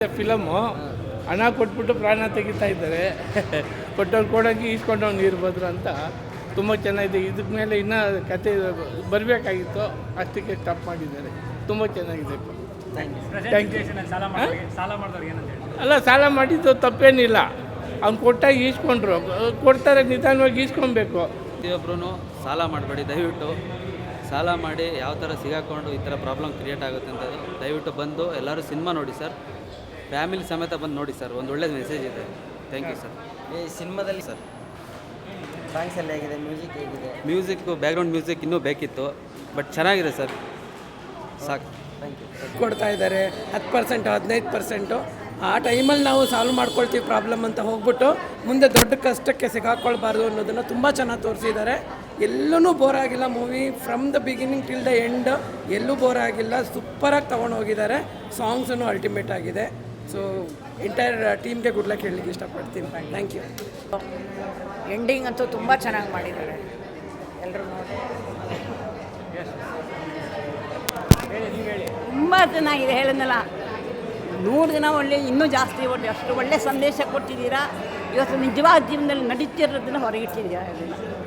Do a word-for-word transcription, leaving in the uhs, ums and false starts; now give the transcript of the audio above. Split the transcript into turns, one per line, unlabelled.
Film ಹಣ ಕೊಟ್ಬಿಟ್ಟು ಪ್ರಾಣ ತೆಗಿತಾ ಇದ್ದಾರೆ. ಕೊಟ್ಟವ್ರು ಕೊಡೋಂಗೆ ಈಸ್ಕೊಂಡವ್ನು ಇರ್ಬೋದು ಅಂತ ತುಂಬ ಚೆನ್ನಾಗಿದೆ. ಇದಕ್ಕೆ ಮೇಲೆ ಇನ್ನೂ ಕತೆ ಬರಬೇಕಾಗಿತ್ತು, ಅಷ್ಟಕ್ಕೆ ಸ್ಟಾಪ್ ಮಾಡಿದ್ದಾರೆ. ತುಂಬ ಚೆನ್ನಾಗಿದೆ. Thank you. ಅಲ್ಲ, ಸಾಲ ಮಾಡಿದ್ದು ತಪ್ಪೇನಿಲ್ಲ. ಅವ್ನು ಕೊಟ್ಟಾಗ ಈಸ್ಕೊಂಡ್ರು, ಕೊಡ್ತಾರೆ, ನಿಧಾನವಾಗಿ ಈಸ್ಕೊಬೇಕು.
ಪ್ರತಿಯೊಬ್ಬರೂ ಸಾಲ ಮಾಡಬೇಡಿ ದಯವಿಟ್ಟು. ಸಾಲ ಮಾಡಿ ಯಾವ ಥರ ಸಿಗಾಕೊಂಡು ಈ ಥರ ಪ್ರಾಬ್ಲಮ್ ಕ್ರಿಯೇಟ್ ಆಗುತ್ತೆ ಅಂತ ದಯವಿಟ್ಟು ಬಂದು ಎಲ್ಲರೂ ಸಿನಿಮಾ ನೋಡಿ ಸರ್. ಫ್ಯಾಮಿಲಿ ಸಮೇತ ಬಂದು ನೋಡಿ ಸರ್, ಒಂದು ಒಳ್ಳೆಯ ಮೆಸೇಜ್ ಇದೆ. Thank you sir.
ಈ ಸಿನಿಮಾದಲ್ಲಿ ಸರ್ ಸಾಂಗ್ಸ್ ಎಲ್ಲ ಹೇಗಿದೆ, ಮ್ಯೂಸಿಕ್ ಹೇಗಿದೆ?
ಮ್ಯೂಸಿಕ್ಕು ಬ್ಯಾಕ್ಗ್ರೌಂಡ್ ಮ್ಯೂಸಿಕ್ ಇನ್ನೂ ಬೇಕಿತ್ತು, ಬಟ್ ಚೆನ್ನಾಗಿದೆ ಸರ್, ಸಾಕು.
Thank you.
ಕೊಡ್ತಾ ಇದ್ದಾರೆ ಹತ್ತು ಪರ್ಸೆಂಟು ಹದಿನೈದು ಪರ್ಸೆಂಟು. ಆ ಟೈಮಲ್ಲಿ ನಾವು ಸಾಲ್ವ್ ಮಾಡ್ಕೊಳ್ತೀವಿ ಪ್ರಾಬ್ಲಮ್ ಅಂತ ಹೋಗ್ಬಿಟ್ಟು ಮುಂದೆ ದೊಡ್ಡ ಕಷ್ಟಕ್ಕೆ ಸಿಗಾಕೊಳ್ಬಾರ್ದು ಅನ್ನೋದನ್ನು ತುಂಬ ಚೆನ್ನಾಗಿ ತೋರಿಸಿದ್ದಾರೆ. ಎಲ್ಲೂ ಬೋರ್ ಆಗಿಲ್ಲ movie, from the beginning till the end ಎಲ್ಲೂ ಬೋರ್ ಆಗಿಲ್ಲ. ಸೂಪರಾಗಿ ತೊಗೊಂಡು ಹೋಗಿದ್ದಾರೆ. ಸಾಂಗ್ಸೂ ಅಲ್ಟಿಮೇಟ್ ಆಗಿದೆ. ಸೊ ಎಂಟೈರ್ ಟೀಮ್ಗೆ ಗುಡ್ ಲಕ್ ಹೇಳಲಿಕ್ಕೆ ಇಷ್ಟಪಡ್ತೀನಿ. Thank you.
ಎಂಡಿಂಗ್ ಅಂತೂ ತುಂಬ ಚೆನ್ನಾಗಿ ಮಾಡಿದ್ದಾರೆ ಎಲ್ಲರೂ ನೋಡಿ. ತುಂಬ ಚೆನ್ನಾಗಿದೆ, ಹೇಳಿದ್ನಲ್ಲ, ನೂರು ದಿನ ಒಳ್ಳೆ ಇನ್ನೂ ಜಾಸ್ತಿ ಒಳ್ಳೆ ಅಷ್ಟು ಒಳ್ಳೆ ಸಂದೇಶ ಕೊಟ್ಟಿದ್ದೀರಾ. ಇವತ್ತು ನಿಜವಾದ ಜೀವನದಲ್ಲಿ ನಡೀತಿರೋದನ್ನು ಹೊರಗಿಟ್ಟಿದ್ದೀರಾ.